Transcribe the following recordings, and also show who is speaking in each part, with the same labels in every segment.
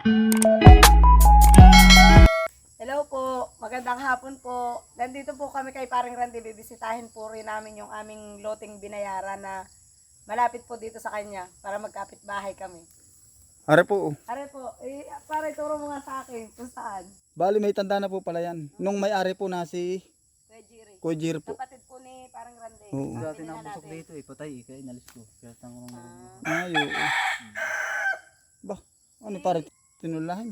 Speaker 1: Hello po, magandang hapon po. Nandito po kami kay Paring Randy, bibisitahin po rin namin yung aming loting binayaran na malapit po dito sa kanya para magkapit-bahay kami.
Speaker 2: Are po.
Speaker 1: Are po, para ituro mo nga sa akin kung saan.
Speaker 2: Bali may tanda na po pala yan. Nung may-ari po na si
Speaker 1: Kuya Jiri.
Speaker 2: Kuya Jir po.
Speaker 1: Kapatid po ni Paring Randy.
Speaker 2: Oo.
Speaker 3: Dati
Speaker 1: Tingnan
Speaker 3: na busok
Speaker 1: natin.
Speaker 3: dito patay kaya inalis ko. Kaya tanong
Speaker 2: Ay, oo. Ba, ano pare? Tinulahin.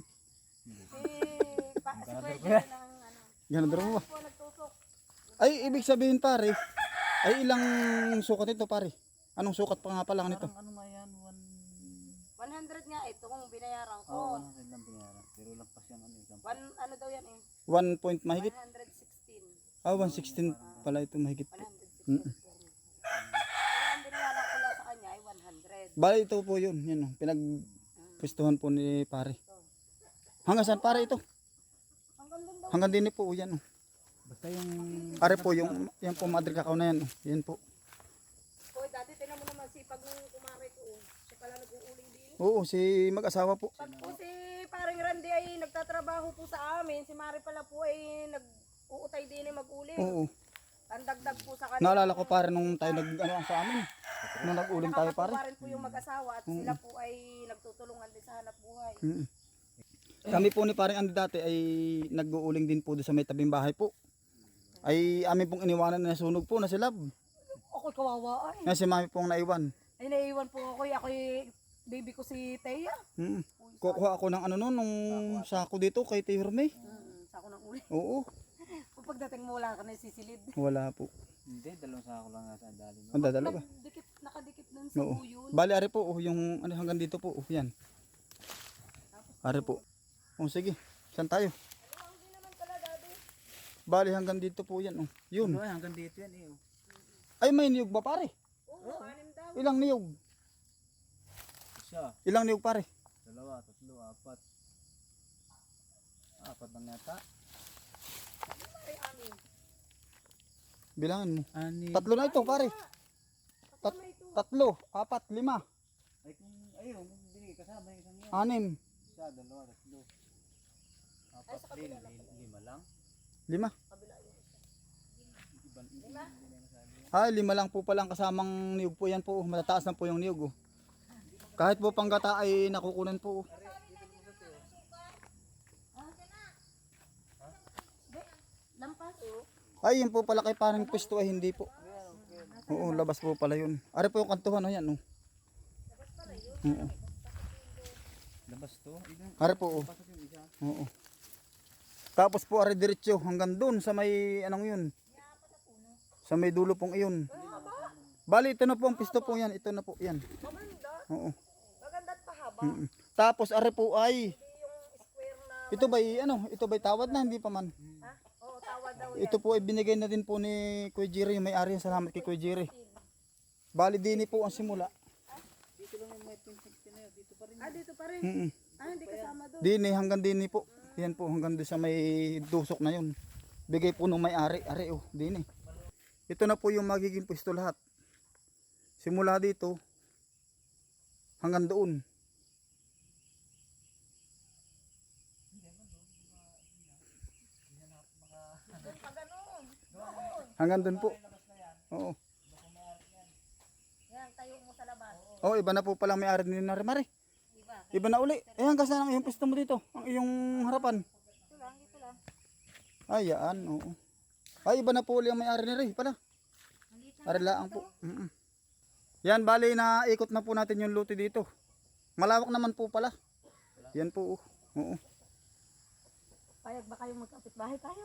Speaker 1: Si Kuya Jiri ng ano.
Speaker 2: Ganun mo ba?
Speaker 1: Po nagtusok.
Speaker 2: Ay, ibig sabihin pare, ay ilang sukat ito pare? Anong sukat pa nga pala nito?
Speaker 3: ano nga yan,
Speaker 1: 100 nga ito kung binayaran ko.
Speaker 3: Oo, 100 lang binayaran. Pero lagpas yung ano isang.
Speaker 1: Ano daw yan eh?
Speaker 2: 1 point mahigit?
Speaker 1: 116.
Speaker 2: Ah, 116 pala ito mahigit po.
Speaker 1: 116. Ang binayaran ko lang sa kanya ay 100.
Speaker 2: Bali ito po yun. Yan o. Pinagpwestuhan po ni pare. Hanggang saan pare ito?
Speaker 1: Hanggang doon daw.
Speaker 2: Hanggang din po yan o.
Speaker 3: Basta yung
Speaker 2: Pare po, yung yan po madre kakao na yan o. Yan po.
Speaker 1: Hoy, dati tinan mo naman sipag ng kumare ko. Siya pala nag-uuling din.
Speaker 2: Oo, si mag-asawa po.
Speaker 1: Pag po si Paring Randy ay nagtatrabaho po sa amin, si Mari pala po ay nag-uutay din ay mag-uling.
Speaker 2: Oo.
Speaker 1: Ang dagdag po sa kanila.
Speaker 2: Naalala ko pare nung tayo nag-ano sa amin. Nung nag-uling tayo pare.
Speaker 1: Nakakatuwa rin po yung mag-asawa at sila po ay nagtutulungan din sa hanap buhay.
Speaker 2: Mm. Kami po ni paring Andy dati ay nag-uuling din po doon sa may tabing bahay po. Ay amin pong iniwanan na sunog po na si Lab.
Speaker 1: Ako'y kawawa ay.
Speaker 2: Na si mami pong naiwan.
Speaker 1: Ay naiwan po ako'y baby ko si Teya.
Speaker 2: Mm. Kukuha ako ng ano noon, nung sako dito kay Tirme.
Speaker 1: Sako ng uli.
Speaker 2: Oo,
Speaker 1: Kung pagdating mo wala ka na sisilid.
Speaker 2: wala po.
Speaker 3: hindi, dalawang sako lang nasa dali mo.
Speaker 2: Ang dadalo ba?
Speaker 1: Nakadikit dun sa
Speaker 2: Oo.
Speaker 1: buyon.
Speaker 2: Bali ari po, yung ano hanggang dito po, yan. Ari po. Oh, sige. Saan tayo?
Speaker 1: Hindi naman pala daddy.
Speaker 2: Bali hanggang dito po yan. Oh. Yun.
Speaker 3: Ano, hanggang dito yan eh.
Speaker 2: Ay may niyog ba pare?
Speaker 1: Oo, anim daw.
Speaker 2: Ilang niyog?
Speaker 3: Isa,
Speaker 2: Ilang niyog pare?
Speaker 3: dalawa, tatlo, apat. Apat lang yata.
Speaker 1: Ay, anim.
Speaker 2: Bilangan mo.
Speaker 3: Ani.
Speaker 2: Tatlo na ito pare. Tatlo, apat, lima,
Speaker 3: Ay kung ayun, hindi kasama yung isang yan.
Speaker 2: anim,
Speaker 3: Isa, dalawa, tatlo. Apat din, lima lang.
Speaker 2: lima.
Speaker 3: Iban, hindi na masabi.
Speaker 2: Ay, lima lang po palang kasamang niyog po yan po. Matataas na po yung niyog. Oh. Kahit po panggata ay nakukunan po. Oh.
Speaker 1: Lampas.
Speaker 2: Ay, yun po pala kay parang pwesto ay hindi po. Oo, labas po pala yun. Ari po yung kantuhan, oh, yan. Oh. Oo.
Speaker 3: Labas to.
Speaker 2: Ari po. Oh. Oo. Tapos po ari diretso hanggang doon sa may anong yun. Sa may dulo pong iyon. Bali, ito na po ang pisto po yan. Ito na po yan.
Speaker 1: Maganda.
Speaker 2: Oo.
Speaker 1: Maganda at pahaba.
Speaker 2: Mm-mm. Tapos ari po ay
Speaker 1: Hindi yung square na.
Speaker 2: ito ba'y ano, ito ba'y tawad na hindi pa man.
Speaker 1: Ha? Oo, tawa daw.
Speaker 2: Ito po ay binigay na din po ni Kuya Jerry, yung may-ari. Salamat kay Kuya Jerry. Bali din po ang simula.
Speaker 1: Dito pa rin.
Speaker 2: Mm.
Speaker 1: Hindi kasama doon.
Speaker 2: Dini hanggang dini po. Yan po hanggang doon sa may dusok na yun. Bigay po nung may-ari. Ari oh, dini. Ito na po yung magiging pwesto lahat. Simula dito hanggang doon. Hanggang doon po. Oo.
Speaker 1: Yan, tayo mo sa labas.
Speaker 2: Oh, iba na po palang may-ari ni Narimari.
Speaker 1: Diba?
Speaker 2: Iba na uli. Eh, hanggang saan ang iyong pwesto mo dito? Ang iyong harapan.
Speaker 1: Ito lang, dito lang.
Speaker 2: Ay, yan. Oo. Ay, iba na po uli ang may-ari ni Ray pala. Arilaan po. Mm-mm. Yan, bali na ikot na po natin yung luti dito. Malawak naman po pala. Yan po. Oo.
Speaker 1: Payag ba kayo magkapit-bahay tayo?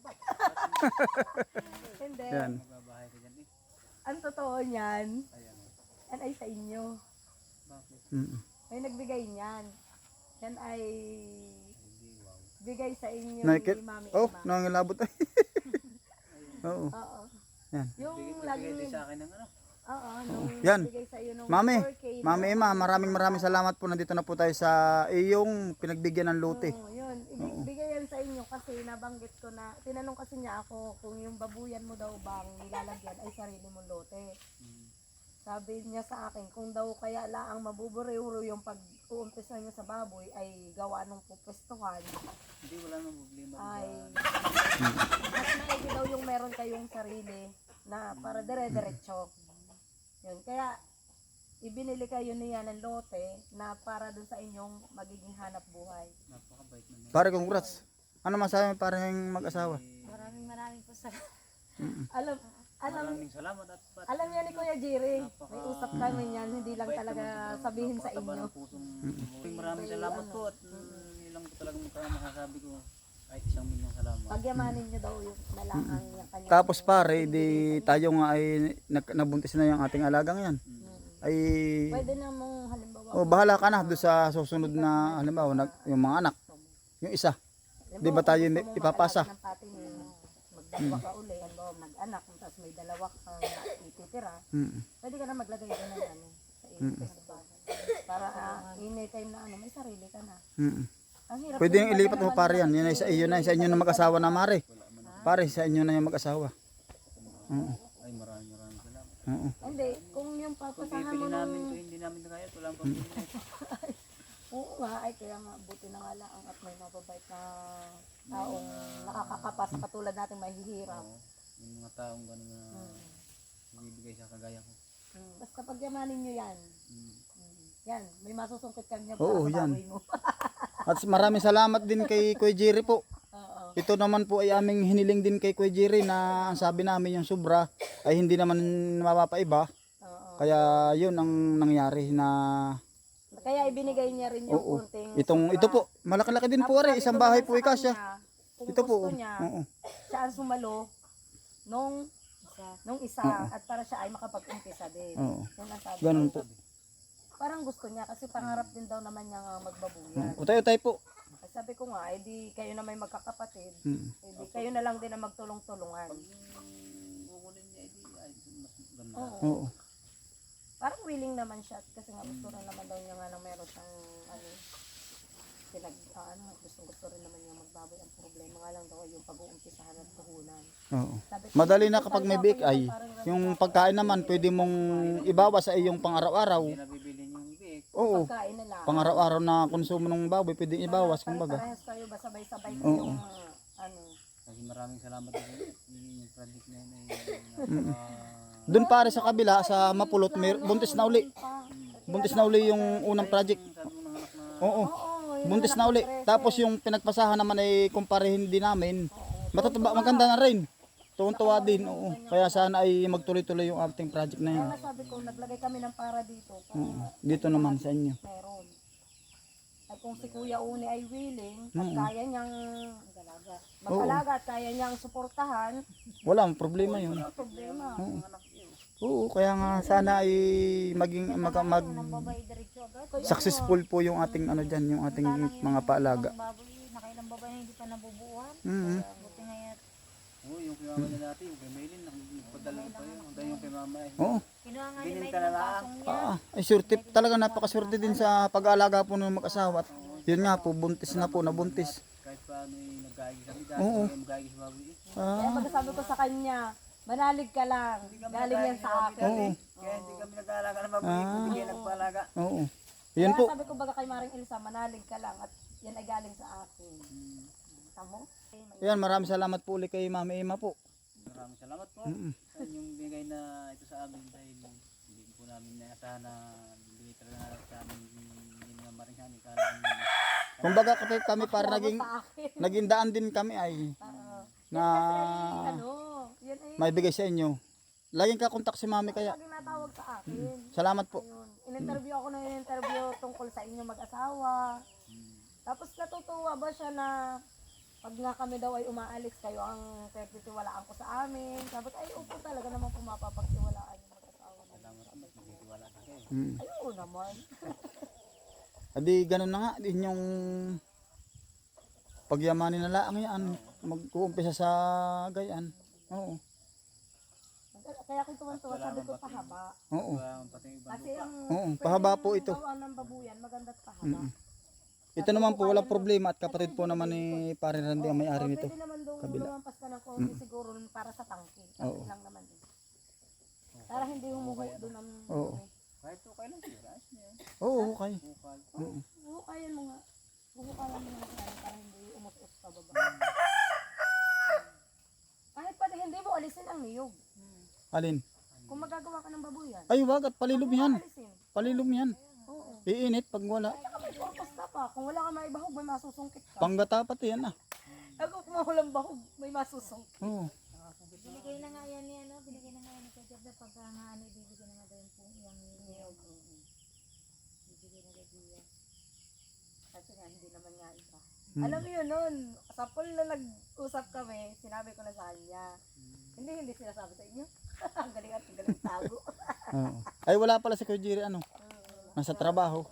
Speaker 1: Hindi.
Speaker 2: Yan.
Speaker 3: Magbabahay ka dyan eh.
Speaker 1: Ang totoo niyan,
Speaker 3: Ayan.
Speaker 1: yan ay sa inyo.
Speaker 3: Bakit?
Speaker 2: Mm-mm.
Speaker 1: May nagbigay niyan. Yan ay bigay sa inyo
Speaker 2: Nakikit?
Speaker 1: ni Mami
Speaker 2: Oh,
Speaker 1: Emma.
Speaker 2: nangangilabot ay. Oo.
Speaker 1: Oo.
Speaker 2: Yan.
Speaker 1: Yung
Speaker 3: Bigay
Speaker 1: laging
Speaker 3: din sa akin ng ano.
Speaker 1: oo, nung
Speaker 2: Yan.
Speaker 1: bigay sa iyo nung
Speaker 2: Mami,
Speaker 1: 4K na-
Speaker 2: Mami Emma, maraming salamat po. Nandito na po tayo sa iyong pinagbigyan ng luti.
Speaker 1: Oo, yun. Ibigay yan sa inyo kasi nabanggit ko na, tinanong kasi niya ako kung yung babuyan mo daw bang nilalagyan ay sarili mong lote. Sabi niya sa akin, kung daw kaya laang mabuburo yung pag-uumpisa niya sa baboy ay gawa ng pupwestuhan,
Speaker 3: Hindi, wala nang problema.
Speaker 1: ay mas maigi daw yung meron kayong sarili na para dire-diretso. Yun, kaya ibinili kayo niya ng lote na para dun sa inyong magiging hanap buhay.
Speaker 3: Napakabait naman.
Speaker 2: Pare, congrats. Ano masabi mo parang mag-asawa?
Speaker 4: Maraming po sa
Speaker 1: Alam
Speaker 3: Maraming salamat at ba't
Speaker 1: alam niya ni Kuya Jerry, may usap kami niyan, hindi lang talaga sabihin sa
Speaker 3: napakataba
Speaker 1: inyo.
Speaker 3: ng pusong maraming salamat po at yun lang po talagang masasabi ko. Kahit 1,000,000 salamat.
Speaker 1: Pagyamanin niyo daw yung nalaang yung kanya.
Speaker 2: Tapos pare, di tayo nga ay nabuntis na yung ating alagang yan. Ay,
Speaker 1: Pwede namang halimbawa,
Speaker 2: bahala ka na doon sa susunod na, halimbawa, yung mga anak. Yung isa. Di ba tayo
Speaker 1: kung gusto mo
Speaker 2: ipapasa?
Speaker 1: mag-alaga ng pati ni magdalawa ka uli, halimbawa mag-anak, tapos may dalawa kang ititira, pwede ka na maglagay doon ng ano, sa investment. Para anytime na ano, may sarili ka na. Ang hirap
Speaker 2: Pwede yung ilipat mo pare yan. Yun ay sa iyo na, sa inyo na mag-asawa na mare. Pare, sa inyo na yung mag-asawa.
Speaker 3: Ay maraming salamat.
Speaker 2: Oo.
Speaker 1: Hindi, kung yung
Speaker 3: Kung
Speaker 1: papasahan
Speaker 3: pipili
Speaker 1: mo
Speaker 3: namin
Speaker 1: ng...
Speaker 3: ito, hindi namin na kaya. Walang pambili.
Speaker 1: Oo nga, ay kaya nga, buti na nga lang at may mababait na taong nakakakapas katulad natin mahihirap.
Speaker 3: Yung mga taong gano'n na bibigay sa kagaya ko.
Speaker 1: Basta pagyamanin nyo yan. Yan, may masusungkit ka niya
Speaker 2: Oo,
Speaker 1: para sa
Speaker 2: yan.
Speaker 1: baboy mo.
Speaker 2: At maraming salamat din kay Kuya Jerry po.
Speaker 1: Oo.
Speaker 2: Ito naman po ay aming hiniling din kay Kuya Jerry na ang sabi namin yung sobra ay hindi naman mapapaiba.
Speaker 1: Oo.
Speaker 2: Kaya yun ang nangyari na
Speaker 1: Kaya ibinigay niya rin yung kunting
Speaker 2: ito po, malaki-laki din po ari, isang bahay po ikasya.
Speaker 1: Kung
Speaker 2: Ito
Speaker 1: gusto
Speaker 2: po.
Speaker 1: niya,
Speaker 2: Oo.
Speaker 1: siya ang sumalo nung isa at para siya ay makapag-umpisa din.
Speaker 2: Oo.
Speaker 1: Yan ang sabi
Speaker 2: Ganun
Speaker 1: ko.
Speaker 2: po.
Speaker 1: Parang gusto niya kasi pangarap din daw naman niya magbabuyan.
Speaker 2: Utay-utay po.
Speaker 1: Ay, sabi ko nga, di kayo na may magkakapatid, di
Speaker 2: Mm.
Speaker 1: kayo na lang din na magtulong-tulungan.
Speaker 3: Kukunin niya, ay mas ganda.
Speaker 1: Oo.
Speaker 2: Oo.
Speaker 1: Parang willing naman siya kasi nga gusto rin naman daw niya nga nang meron siyang gusto rin naman niya magbaboy. Ang problema nga lang daw ay yung pag-uumpisahan at puhunan.
Speaker 2: Oo.
Speaker 1: Sabi ko,
Speaker 2: Madali na
Speaker 1: "Ito
Speaker 2: kapag
Speaker 1: talaga
Speaker 2: may
Speaker 1: ako
Speaker 2: bake ay
Speaker 1: parang
Speaker 2: yung pagkain naman pwede mong ibawas sa iyong pang-araw-araw.
Speaker 3: Hindi na bibili yung big.
Speaker 2: Oo.
Speaker 1: pagkain na lang.
Speaker 2: Pang-araw-araw na konsumo ng baboy pwede ibawas kumbaga.
Speaker 1: Parehas kayo ba sabay-sabay
Speaker 2: Oo.
Speaker 1: yung ano.
Speaker 3: Kasi maraming salamat din yung project na yun ay
Speaker 2: Doon pare sa kabila sa Mapulot buntis na uli. Buntis na uli yung unang project.
Speaker 3: sabi mo ng anak na
Speaker 2: Oo.
Speaker 1: Yun
Speaker 2: Buntis
Speaker 1: ang
Speaker 2: na uli.
Speaker 1: nakaprese.
Speaker 2: Tapos yung pinagpasahan naman ay kumparehin din namin. Matataba, maganda na rin. Tuwan-tuwa din. Oo. Kaya sana ay magtuloy-tuloy yung ating project na yun.
Speaker 1: Kaya sabi ko, naglagay kami ng para dito. Para
Speaker 2: Dito naman sa inyo.
Speaker 1: meron. Ay kung si Kuya Uni ay willing, at kaya niyang mag-alaga at kaya niyang suportahan,
Speaker 2: Wala, problema yun.
Speaker 1: ano problema?
Speaker 2: Oo, kaya nga sana ay maging
Speaker 4: babae diretso agad.
Speaker 2: successful po yung ating ano diyan, yung ating mga paalaga.
Speaker 4: Ang baboy, nakailang babae na hindi pa nabubuuan.
Speaker 2: Mhm.
Speaker 4: Buti ngayon.
Speaker 3: Oo, yung kay mama na dati, yung kay Maylin, nagpadala pa yun. Hanggang yung kay mama ay.
Speaker 2: Oo.
Speaker 4: Kinuha nga ni
Speaker 3: Binin
Speaker 4: May
Speaker 3: ka na
Speaker 4: ng
Speaker 3: lang.
Speaker 4: pasong niya.
Speaker 2: Ay surte, talaga napakaswerte din sa pag-aalaga po ng mag-asawa. At yun nga po, buntis na po, nabuntis.
Speaker 3: Kahit paano yung nag-aagi kami dati,
Speaker 2: Oo.
Speaker 3: yung mag-aagi sa baboy.
Speaker 1: Kaya pagkasabi ko sa kanya, manalig ka lang, galing yan sa akin.
Speaker 2: Oo.
Speaker 3: Kaya hindi kami nag-aalaga ng baboy, bigyan ng palaga.
Speaker 2: Oo. Yun
Speaker 1: Kaya
Speaker 2: po.
Speaker 1: sabi ko baga kay Maring Elsa, manalig ka lang at yan ay galing sa akin. Tamo?
Speaker 2: Yan, maraming salamat po ulit kay Mama Emma po.
Speaker 3: Maraming salamat po. Sa inyong bigay na ito sa amin dahil hindi po namin naasahan na bigay talaga sa amin yung mga maringhani.
Speaker 2: Kumbaga kami para
Speaker 1: Sa akin.
Speaker 2: naging daan din kami ay na
Speaker 1: Ano, yan ay
Speaker 2: may bigay sa inyo. Laging kakontak si Mami kaya.
Speaker 1: lagi natawag sa akin.
Speaker 2: Salamat po.
Speaker 1: Ayun. In-interview ako ng in-interview tungkol sa inyong mag-asawa. Tapos natutuwa ba siya na pag nga kami daw ay umaalis, kayo ang pagtitiwalaan ko sa amin. Sabi ko, ay upo talaga naman po mapapagtiwalaan yung mag-asawa.
Speaker 3: Salamat po, magtitiwala sa kayo.
Speaker 1: Ay oo naman.
Speaker 2: Adi ganun na nga din yung pagyamanin na laang yan. Mag-uumpisa sa gayan. Oo.
Speaker 1: Kaya kung tuwan-tuwa, sabi ko pahaba.
Speaker 2: Oo.
Speaker 3: Pati yung ibang
Speaker 1: Kasi ang
Speaker 2: Oo, pahaba po ito.
Speaker 1: gawa ng babuyan, maganda't pahaba.
Speaker 2: Ito naman po walang problema at kapatid po naman ni Pare Randy ang may-ari nito.
Speaker 1: Pwede naman doon
Speaker 2: Kabila.
Speaker 1: lumampas ka ng konti siguro para sa tangke. Tangke
Speaker 2: Oo.
Speaker 1: lang naman din. Para hindi humuho doon ang...
Speaker 2: Oo.
Speaker 3: Kahit po kailan sila, ayos na yun.
Speaker 2: Oo, okay.
Speaker 3: Bukal.
Speaker 2: Oo.
Speaker 1: Huhukayan mo nga. Huhukayan mo nga yan para hindi umutos pa baba. Kahit pati hindi mo alisin ang niyog.
Speaker 2: Alin?
Speaker 1: Kung magagawa ka ng baboyan.
Speaker 2: Ay, wag at palilom yan.
Speaker 1: Alisin.
Speaker 2: Palilom yan.
Speaker 1: Oo.
Speaker 2: Iinit pag wala.
Speaker 1: Basta pa. Kung wala ka maibahog, may masusungkit ka.
Speaker 2: Panggata pati yan ah.
Speaker 1: Ako kung walang bahog, may masusungkit.
Speaker 2: Oo.
Speaker 4: Binigay na nga yan ni ano, binigay na nga yan ni Kajab na pagka nga ano, ibibigay na nga daw yung niyog. Ibibigay na daw diya.
Speaker 1: Kasi nga, hindi naman nga iba. Alam mo yun nun, sa pool na nag-usap kami, sinabi ko na sa kanya. Hindi sinasabi sa inyo. Ang galing at ang galing tago.
Speaker 2: Oo. Ay, wala pala si Kuya Jerry ano. Nasa trabaho.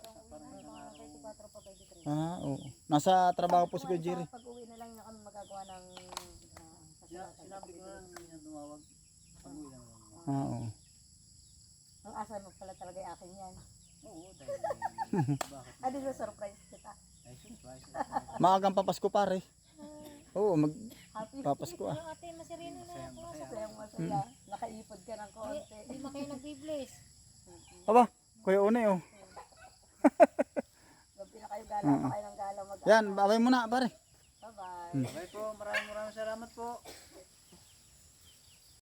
Speaker 2: Ah, oo. Nasa trabaho po si Kuya Jerry.
Speaker 1: Pag uwi na lang na kami magagawa ng...
Speaker 3: Sinabi ko lang niya tumawag. Pag-uwi lang lang.
Speaker 2: Ah, oo.
Speaker 1: Ang asa mo pala talaga yung akin yan.
Speaker 3: Oo, dahil bakit?
Speaker 1: Ah, di ba surprise kita?
Speaker 3: Ay, surprise.
Speaker 2: Maagang papasko pare. Oo,
Speaker 1: Happy
Speaker 2: magpapasko ah.
Speaker 4: Yung ate, masirino na ako.
Speaker 1: Masayang masaya. Nakaipod ka ng konti.
Speaker 4: Hindi na kayo nag-bless.
Speaker 2: Aba, Kuya Unay oh.
Speaker 1: Gabi na kayo gala pa kayo ng gala mag
Speaker 2: Yan, babay mo na pare.
Speaker 1: Bye-bye.
Speaker 3: Okay po, maraming salamat po.